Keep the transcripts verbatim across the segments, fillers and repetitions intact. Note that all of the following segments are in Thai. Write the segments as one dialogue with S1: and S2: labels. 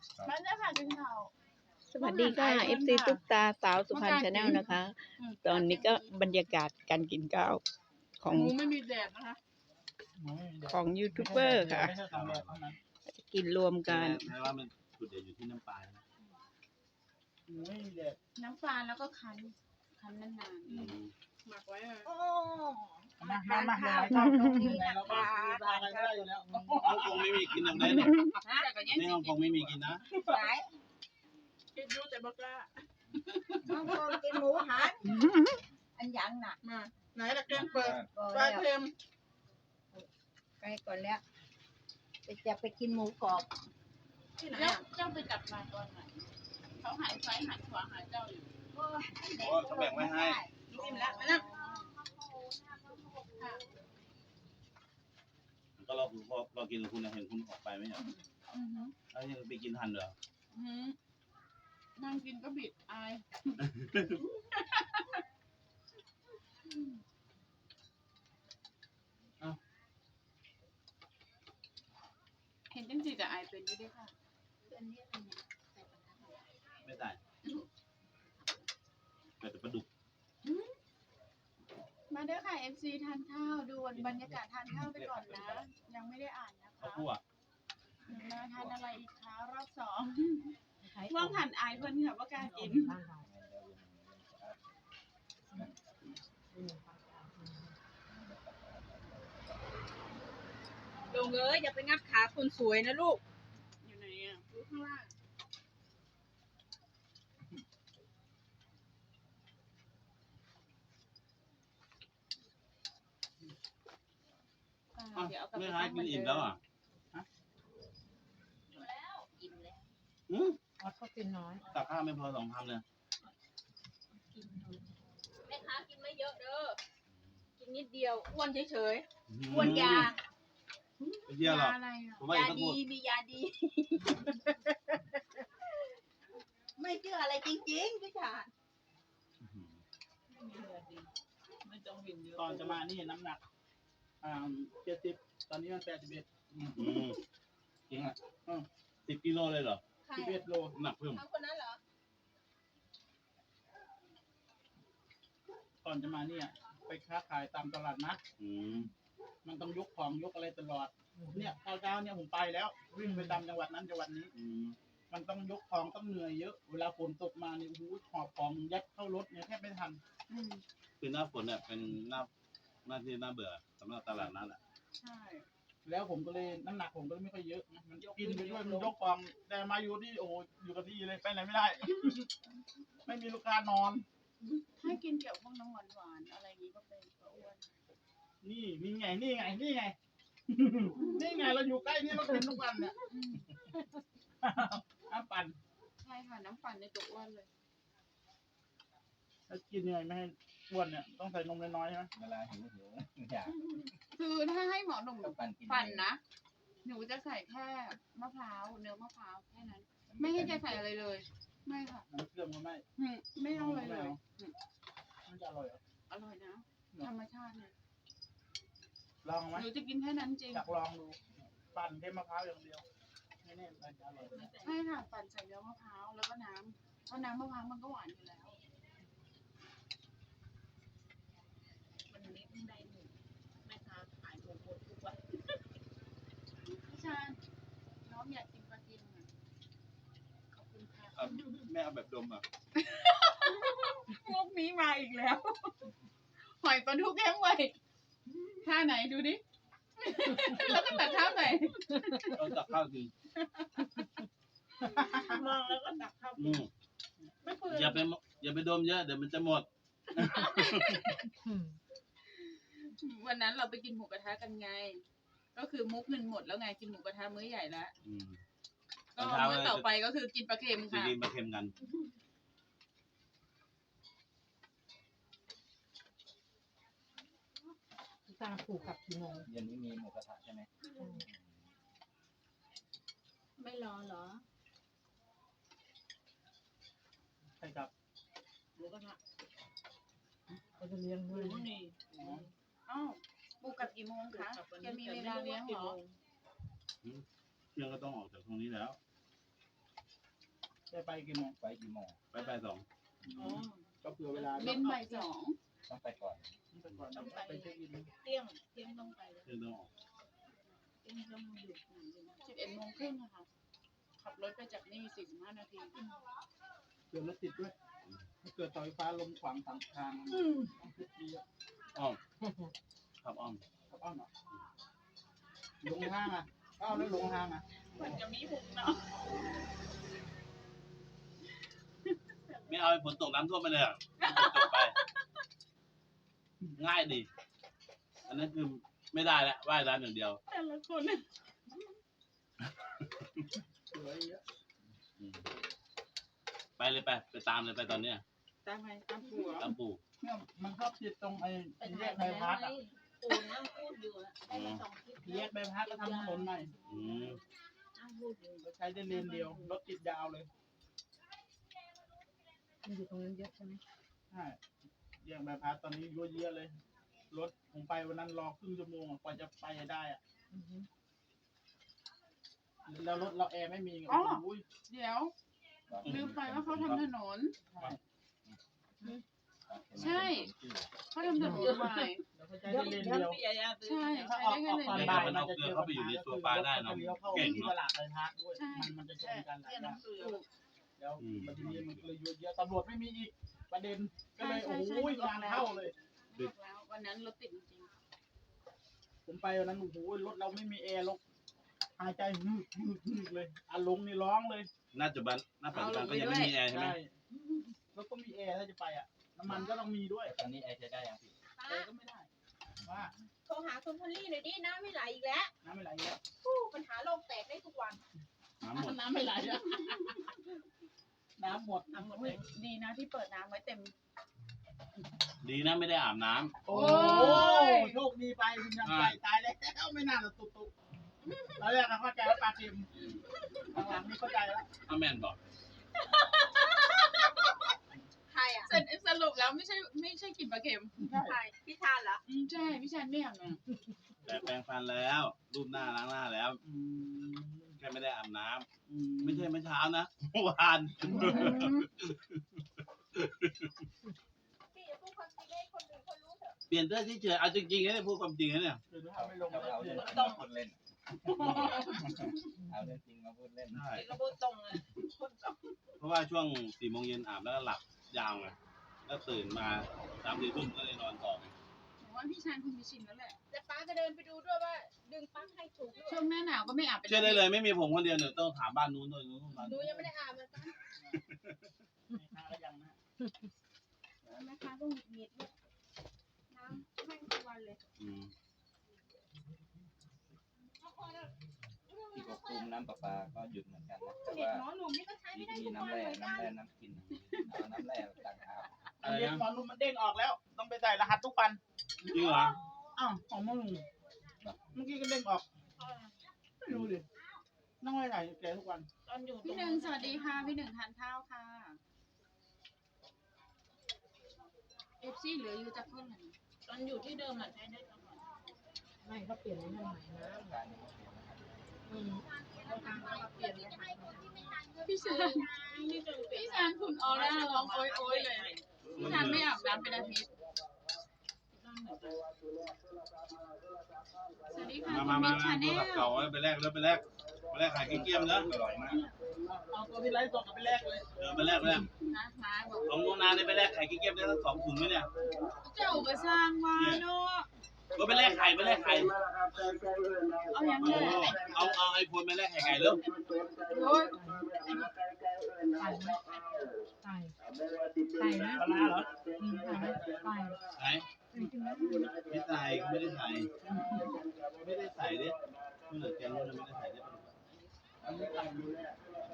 S1: มันจะผ่านกินข้าว
S2: สวัสดีค่ะ เอฟ ซี ตุ๊กตาสาวสุพรรณชาแนลนะคะ ตอนนี้ก็บรรยากาศการกินข้าวของ
S1: หมูไม่มีแดดนะคะ
S2: ของยูทูบเบอร์ค่ะ จะกินรวมกัน
S3: แม้ว่ามันจุดเด่นอยู่ที่น้ำปลานะ
S1: น้ำปลาแล้วก็คั้นคั้นนาน
S3: อืม
S1: ๆหมักไว้เลย
S4: โอ้
S5: มามามา
S4: ข้า
S5: ข้าว ว
S4: ตรงนี้
S5: ไหน
S4: นะ
S5: เรา
S4: คะ
S5: ปลาอะไรไม่ได้อยู่แล้ว
S3: ฮ่องกงไม่มีกินอย่างไรเนี่ย
S1: แต่ก็ยัง
S3: นี่ฮ่องกงไม่มีกินนะ
S4: สาย
S1: คิดดูแต่บอกล้า
S4: น้องโกงกินหมูหันอันยังน่ะ
S1: มาไหนละแกงเปิด
S4: ก็
S1: ปลา
S4: แล้ว
S1: เค็ม
S4: ไปก่อนแล้วไปจะไปกินหมูกรอบ
S1: ที่ไหนเจ้าไปจับมาตอนไหนเขาหายซ้ายหันขวาหาเจ้าอยู่
S4: โอ้ย
S3: โอ้เขาแบ่งไว้ให้
S1: กินแล้วมานั่ง
S3: ก็เราพอเรากินแล้วคุณเห็นคุณออกไปไหมเนี่ย
S1: อือหือ
S3: แล้วยังไปกินทันเหรอ
S1: อือหือนั่งกินก็บิดอายเห็นจังจีกับอายเป็นอยี่ด้วยค่ะ
S3: ไม่ได้แต่ปลาดุก
S1: มาเด้อค่ะ เอฟ ซี ทานข้าวดูบรรยากาศทานข้าวไปก่อนนะ ยังไม่ได้อ่านนะ
S3: ข้าว
S1: คะ
S3: คั่ว
S1: มาทานอะไรอีกคะรอบสองว่างหันอายเพิ่นค่ะว่ากล้ากิน
S4: ลงเลยอย่าไปงับขาคนสวยนะลูก
S1: อยู่ไหนอ่ะรู้ข้างล่างอ่า
S3: อ่ะ
S1: เดี๋ยวเอากลับ
S3: ไม่
S1: ไป
S3: ให้
S1: ตั้ง
S3: กินอิ่มแล้วอ่ะ
S4: อิ่มแล้ว
S3: อืม
S5: อ๋อเขากินน้อย
S3: ตักข้าวไม่พอสองคำเลย
S4: แม่ค้ากินไม่เยอะเด้อกินนิดเดียวอ้วนเฉย
S3: อื
S4: ๆ
S3: ม
S4: อ้วนยา
S3: ไม่เที่ยวหรอก
S1: ยาอะไรอ่ะ
S3: ผมว่าอย
S4: า
S3: กจะ
S4: ดี
S3: พูด
S4: มียาดี ไม่เชื่ออะไรจริงๆพี่ชาญ
S1: ไม่ต้องวินเยอะ
S5: ตอนจะมานี่น้ำหนักอ่าเจ็ดสิบตอนนี้มันแปดสิบเอ็ด
S3: อืมจริงอ่ะสิบกิโลเลยเหรอ
S4: ใคร
S5: สิบเอ็ดโล
S3: น้ำหนักเพิ่ม
S4: เอาคนนั้นเหรอ
S5: ก่อนจะมาเนี่ยไปค้าขายตามตลาดนัด
S3: อืม
S5: มันต้องยกของยกอะไรตลอด เนี่ยเช้าเช้าๆเนี่ยผมไปแล้ว วิ่งไปตามจังหวัดนั้นจังหวัดนี้
S3: อืม
S5: มันต้องยกของต้องเหนื่อยเยอะ เวลาฝนตกมาเนี่ยโอ้โหหอบของยัดเข้ารถเนี่ยแทบไม่ทัน
S1: อืม
S3: คือหน้าฝนเนี่ยเป็นหน้าหน้าที่น่าเบื่อสำหรับตลาดนั้นแหละ
S1: ใช่
S5: แล้วผมก็เลยน้ำหนักผมก็เลยไม่ค่อยเยอะนะมันกินไปด้วยมันยกของแต่มาอยู่ที่โอ้โหอยู่กับที่เลยไปไหนไม่ได้ ไม่มีลูกค้านอน
S1: ถ้ากินเกี่ยวพวกน้ำหวานหวานๆอะไรอย่างนี้ก็เป็นก็อ้วน
S5: นี่นี่ไงนี่ไงนี่ไง นี่ไงเราอยู่ใกล้นี่เรากินทุกวันเนี่ย
S1: อืม
S5: น้ำปั่น
S1: ใช่ค่ะน้ำปั่นในตัวอ้วนเลย
S5: ถ้ากินยังไงไม่ให้อ้วนเนี่ยต้องใส่นมน้อยๆใช่ไหม
S6: เวลาหิวหิวอยาก
S1: คือถ้าให้หมอหนุ่ม
S6: ก็ปั่นกิน
S1: ปั่นนะ หนูจะใส่แค่มะพร้าวเนื้อมะพร้าวแค่นั้น ไม่ให้แกใส่อะไรเลย ไม่ค่ะ
S5: น้ำเชื่อมก็ไม่
S1: อืมไม่ต้องเลยเลยอืม
S5: มันจะอร่อยเหรอ
S1: อร่อยนะ ธรรมชาติเนี่ย
S5: ลองไหม
S1: หนูจะกินแค่นั้นจริง
S5: อยากลองดูปั่นแค่มะพร้าวอย่างเดียวไม่แน่มันจะอร่อยไหม
S1: ใช่ค่ะปั่นใส่เนื้อมะพร้าวแล้วก็น้ำเพราะน้ำมะพร้าวมันก็หวานอยู่แล้ว
S4: วันนี้เพิ่งได้หมูแม่ค้าขายหมูหมดทุกวัน
S1: พี่ชานน้องอยากกินปลากิมอ่ะขอบคุณค่ะ
S3: เอาแม่เอาแบบดมอ่ะ
S1: พวกนี้มาอีกแล้ว หอยปลาทูแห้งไว้ท่าไหนดูดิ แล้วก็ตัดท่าไหน
S3: เอาตักข้าวกิน
S1: มองแล้วก็ตักข้าว
S3: อืม
S1: ไม่เปลื
S3: อย่า
S1: อ
S3: ไปอย่าไปดมเยอะเดี๋ยวมันจะหมด
S1: วันนั้นเราไปกินหมูกระทะกันไง ก็คือมุกเงินหมดแล้วไงกินหมูกระทะมื้อใหญ่แล้ว
S3: อืม
S1: ก็มื้อต่อไปก็คือกินปลาเค็ม
S3: จะ
S1: ค่ะ
S3: กินมาเค็มกัน
S5: ตาผูกกับกี่โมง
S6: เย็นนี้มีหมูกระทะใช่ไหม
S4: ไม่รอเหรอ
S5: ใช่ครับ
S1: หมูกระทะ
S5: เขาจะเลี้ยงด้วย
S1: นี่อ้าวปูกลับกี่โมงคะแกมีเวลาเลี้ยงเหรอ
S3: เที่ยงก็ต้องออกจากตรงนี้แล้ว
S5: จะไปกี่โมง
S6: ไปกี่โมง
S3: ไปบ่ายสอง
S1: อ๋อ
S5: ก็เผื่อเวลา
S1: เล่นบ่ายสอง
S6: ต้องไปก่อน
S5: ไปก่อนต้องไปเช็คอิน
S4: เที่ยงเที่ยงต้องไปเลย
S3: เรื่องต้องออก
S4: เที่ยงต้องอยู่ที่ไหนดีนะ
S1: สิบเอ็ดโมงครึ่งอะค่ะ ขับรถไปจากนี่สี่สิบห้านาที
S5: เกิดรถติดด้วยถ้าเกิดเสาไฟฟ้าลมขวางทางทางต้องคิดดีอ่ะ
S3: อ้อมขับอ้อม
S5: ครับอ้าวเนาะลงห้างอ่ะอ้าวแล้วลงห้างอ่ะ
S1: มันจะมีหุบเนาะ
S3: ไม่เอาให้ฝนตกน้ำท่วมไปเลยอะจบไป ง่ายดี อันนั้นคือไม่ได้แล้วว่ายน้ำอย่างเดียว
S1: แต่ละคน
S5: สวยเยอะ
S3: อืมไปเลยไปไปตามเลยไปตอนเนี้ย
S1: ตามไปตามผัว
S3: ตามปู่
S5: เนี่ยมันชอบติดตรงไอ้
S4: ไป
S5: แย
S4: ถ่าย
S5: ก
S4: ไป
S5: ใบ
S4: แล้ว
S5: พัด
S4: ไง
S5: อ่ะ
S4: ปูนั่งพูดอยู่อะได้มาสองคลิป
S5: แยกใบพัดก็ทำถนนใหม่
S3: อืม
S4: นั่งพูดอยู่
S5: ก็ใช้ได้เลนเดียวรถติดยาวเลย
S4: มันอยู่ตรงนั้นเยอะใช่ไหม
S5: ใช่แยกใบพัดตอนนี้ยั่วเยอะเลยรถผมไปวันนั้นรอครึ่งชั่วโมงอะกว่าจะไปได้อ่ะแล้วรถเราแอร์ไม่มีไงโอ้ย
S1: เดี๋ยวลืมไปว่าเขาทำถนน ใช่ เขาทำถนนใหม่
S5: แล้วก็ใช้ได้เลนเดียว
S1: ใช่
S5: ถ้า
S1: ใช้
S5: ออก
S1: ได้
S5: อ
S1: แค่
S5: อก
S1: เล
S5: ตอน
S1: น
S5: บ่ายมันจะเจอปัญหาก็คือรถจะเลี้ยวเข้าที่ตลาดเลยพักด้วยมันมันจะชนกันหลายอย่างแล้วมันทีนี้มันเลยยั่วเยอะตำรวจไม่มีอีกประเด็นก็เลยโอ้ยงานเข้าเลย
S1: ดึกแล้ววันนั้นรถติดจริง
S5: ผมไปวันนั้นโอ้โหรถเราไม่มีแอร์ลกหายใจฮึกฮึกฮึกเลยอาลงนี่ร้องเลย
S3: น่าจะบันน่าปัจจุบันก็ยังไม่มีแอร์ใช่ไหม
S5: ใช่รถก็มีแอร์ถ้าจะไปอ่ะน้ำมันก็ต้องมีด้วย
S6: ตอนนี้ไอใช้ได้ยังพี่
S5: แอร์ก็ไม่ได้ว่า
S4: โทรหาคุณพอลลี่หน่อยดิน้ำไม่ไหลอีกแล้ว
S5: น้ำไม่ไหลแล้ว
S4: ผู้ปัญหาโลกแตกได้ทุกวัน
S3: น้ำหมด
S1: น้ำไม่ไหลอะ
S5: น้ำหมด
S1: น้ำหมดเลยดีนะที่เปิดน้ำไว้เต็ม
S3: ดีนะไม่ได้อาบน้ำ
S5: โอ้ยโชคดีไปคุณยังไปตายแล้วไม่น่าจะตุกตุกเราแรกนะเข้าใจว่าปลาเค็มหลังๆนี่เข้าใจแล้ว
S3: อาแมนบอก
S4: ใครอ่ะ
S1: สรุปสรุปแล้วไม่ใช่ไม่ใช่กลิ่นปลาเค็ม
S4: ใครพี่ทานเหรอ
S1: อืมใช่พี่ชายไม่อยากนะ
S3: แต่แปรงฟันแล้ว รูปหน้าล้างหน้าแล้ว
S5: อืม
S3: แค่ไม่ได้อาบน้ำ
S5: อืม
S3: ไม่ใช่เมื่อเช้านะเมื่อวาน
S4: พี่อย่าพูดความจริงให้คนอื่นเขารู้เถอะ
S3: เปลี่ยนเสื้อที่เฉยเอาจริงๆนะเนี่ยพูดความจริงนะเนี่ย
S5: คือถ้าไม่ลง
S6: เรา
S5: แล้ว
S6: เอา
S5: เนี่
S6: เรื่
S5: ย
S6: องจริงมาพูดเล่น เอาเรื่องจริงมาพูดเล่น
S3: ใช่
S4: เราพูดตรงเลยพูดตรง
S3: เพราะว่าช่วงสี่โมงเย็นอาบแล้วก็หลับยาวไงแล้วตื่นมาสามสี่ทุ่มก็เลยนอนต่อไง
S1: ผมว่าพี่ชายคงจะชินแล้วแหละ
S4: แต่ป้าจะเดินไปดูด้วยว่า ดึงปลั๊กให้ถูกหรือเป
S1: ช่ว
S4: ล่าง
S1: หน้าหนาวก็ไม่อาบเป็น
S3: เชื่อได้เลยไม่มีผมคนเดียวเนี่ยต้องถามบ้านนู้นด้วยนู้นบ้าน
S4: หนู
S3: นู้น
S4: ยังไม่ได้อาบเลยป้า
S5: หาก็ยังนะ
S4: แม่ค้าต้องหงุดหงิดด้วยน้ำแม่งทุกวันเลย
S3: อืม
S6: ที่กคุมน้ำประปาก็หยุดเหมือนกันนะแต่
S4: เด็ก
S6: ว่า
S4: น้อยหนุ่มนี่ก็ใช้ไม่
S6: มี
S4: ได้ทุก
S6: น้ำ
S4: วัน
S6: แร่
S4: เหมือนกั
S6: น้ำ
S4: น
S6: แร่น้ำกินเอาน้ำแร่ต่างหาก
S5: อันนี้ตอนรุ่นมันเด้งออกแล้ว ต้องไปใส่รหัสทุกวัน
S3: จริงเหรอ
S5: อ้าวของมึงเมื่อกี้ก็เด้งออกไม่รู้ดิต้องไปใส่แกทุกวัน
S4: ตอนอยู่ตร
S1: พี่หนึ่งสวัสดีค่ะพี่หนึ่งทานข้าวค่ะเอฟซีเหลืออยู่จากคนหนึ่ง
S4: ตอนอยู่ที่เดิมอ่ะใช้ได้ตลอด
S7: ไม่เขาเปลี่ยนให้ใหม่นะ
S6: การยังไม่เปลี่ยนนะครับ
S7: อืมเขาทางเขาเปลี่ยนรหัส
S1: พี่ชายพี่ชายคุณออร่าร้องโอยโอยเลยพี่ชายไม่อาบน้ำเป็นอาทิตย์สวัสดีค่ะ
S3: มา
S1: คุ
S3: มา
S1: ณ
S3: มา
S1: มิชชาแน
S3: โทรศัพท์
S1: ล
S3: เก่าไว้ไปแลกแล้วไปแลกไปแลกขายเกลี้ยมๆนะ
S6: อร่อยมาก
S5: เอาตัวที่ไลฟ์สดกับไปแลกเลย
S3: เออไปแลกไปแลก
S1: นะมาบอก
S3: ของโรงงานนี่ไปแลกไข่เกลี้ยมๆได้ทั้งสองถุงไหมเนี่ย
S1: เจ้าก็สร้างมาเนาะ
S3: ก็ไปแลกไข่ไปแลกไข่
S1: เอาอย่าง
S3: โอ้
S1: เงี้ย
S3: เอาเอาไอโฟนไปแลกไข่ไก่เร็ว
S1: โอ้ย
S7: ไก่ไหมไก่ไก่นะ
S5: ปลาร้าเหรอ
S7: อืมไก่ไก่
S3: ไหน
S7: จริงๆนะ
S3: ไม่ใส่ไม่ได้ใส่ไม่ได้ใส่ดิเมื่อแกงนู้นไม่ได้ใส่ดิ
S5: อันนี้ไก่อยู่เนี่ย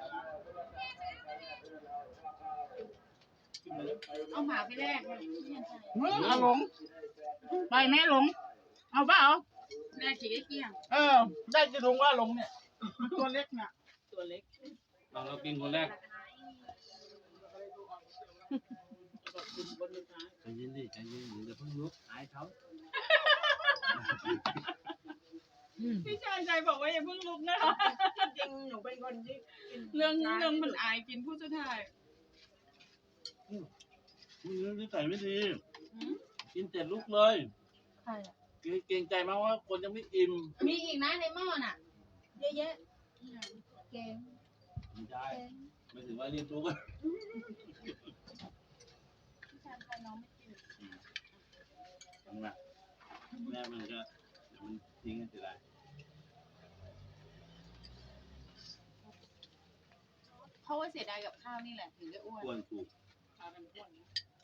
S1: เอาหมาไปแลกเลยพี่ยันชัย
S5: เอาหลงไปไหมหลง เอาเปล่า
S1: แลกขี่เกี้ยง
S5: เออ ได้จะถุงว่าหลงเนี่ย ตัวเล็กเนี่ย
S1: ตัวเล็ก
S3: เราเรากินคนแรกใจเย็นดิใจเย็นเดี๋ยวเพิ่งลุกอายเขา
S2: อืม
S1: พี่ชายชายบอกว่าอย่าเพิ่งลุกนะคะ
S4: จริงหนูเป็นคนที่กิน
S1: เรื่องเรื่องมันอายกินผู้สุดท้าย
S3: อืมนิสัยไม่ดี
S1: หืม
S3: กินเสร็จลุกเลย
S1: ใครอะ
S3: เกรงใจมากว่าคนยังไม่อิ่ม
S4: มีอีกนะในหม้อน่ะ เยอะๆเก่ง
S3: ไม่ใช่
S4: เก่ง
S3: ไม่ถึงว่ารีบลุกอะ
S1: พี่ชายชายน้องไม่กิน
S3: ทำไมแม่มันก็เดี๋ยวมันทิ้งกันเสียดาย
S1: เพราะว่าเสียดายกับข้าวนี่แหละถึงได้อ้วน
S3: อ้วนถูก
S1: พากันอ้วนนะ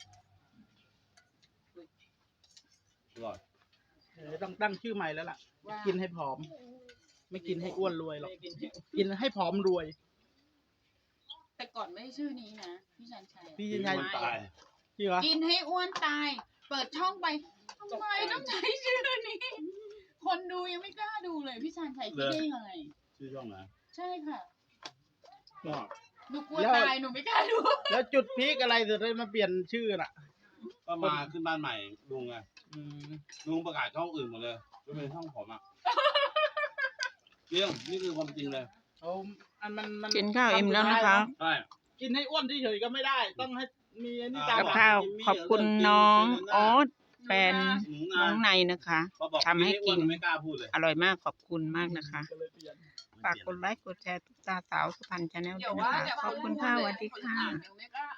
S3: อร่อย
S5: เออต้องตั้งชื่อใหม่แล้วล่ะ
S1: ว่า
S5: กินให้ผอม ไม่กินให้อ้วนรวยหรอกกินให้ผอมรวย
S1: แต่ก่อนไม่ใช่ชื่อนี้นะพี่ชันชัย
S5: พี่
S3: กิ
S5: ยั
S3: น
S5: งไง
S3: มันตาย
S5: จริงเหรอ
S1: กินให้อ้วนตาย เปิดช่องไปทำไมต้องใช้ชื่อนี้ คนดูยังไม่กล้าดูเลยพี่ชันชัยคิดได้ยังไง
S3: ชื่อช่องไหน
S1: ใช่ค่ะ
S3: ก็
S1: หนูกลัวตายหนูไม่กล้าดู
S5: แล้วจุดพีคอะไรถึงได้มาเปลี่ยนชื่อน่ะ
S3: ก็มาขึ้นบ้านใหม่ลุงไง
S5: อืม
S3: ลุงประกาศช่องอื่นหมดเลยไม่เป็นช่องผมอ่ะเรื่องนี่คือความจริงเลย
S5: เอาอันมันมัน
S2: กินข้าวอิ่มแล้วนะคะ
S3: ใช่
S5: กินให้อ้วนเฉยๆก็ไม่ได้ ต้องให้มีอันนี้ตาม
S2: กับ
S5: หลัง
S2: ข้าวขอบคุณน้องออสแฟน
S3: หนู
S2: น้
S3: นา
S2: องในนะคะ
S3: พอบอก
S2: ทำให้กิน
S3: ไม่อ้วไม่กล้าพูดเลย
S2: อร่อยมากขอบคุณมากนะคะ
S5: ก็เลยเปลี่ยน
S2: ฝากกดไลค์กดแชร์ตุ๊กตาสาวสุพรรณชาแนล
S1: เดี๋
S2: ด้
S1: ยว
S2: วย
S1: ว่า
S2: นะคะ
S1: เดี๋ยว
S2: ขอบคุณค่ะสวัสดีค่ะ
S1: หนูไม่กล้า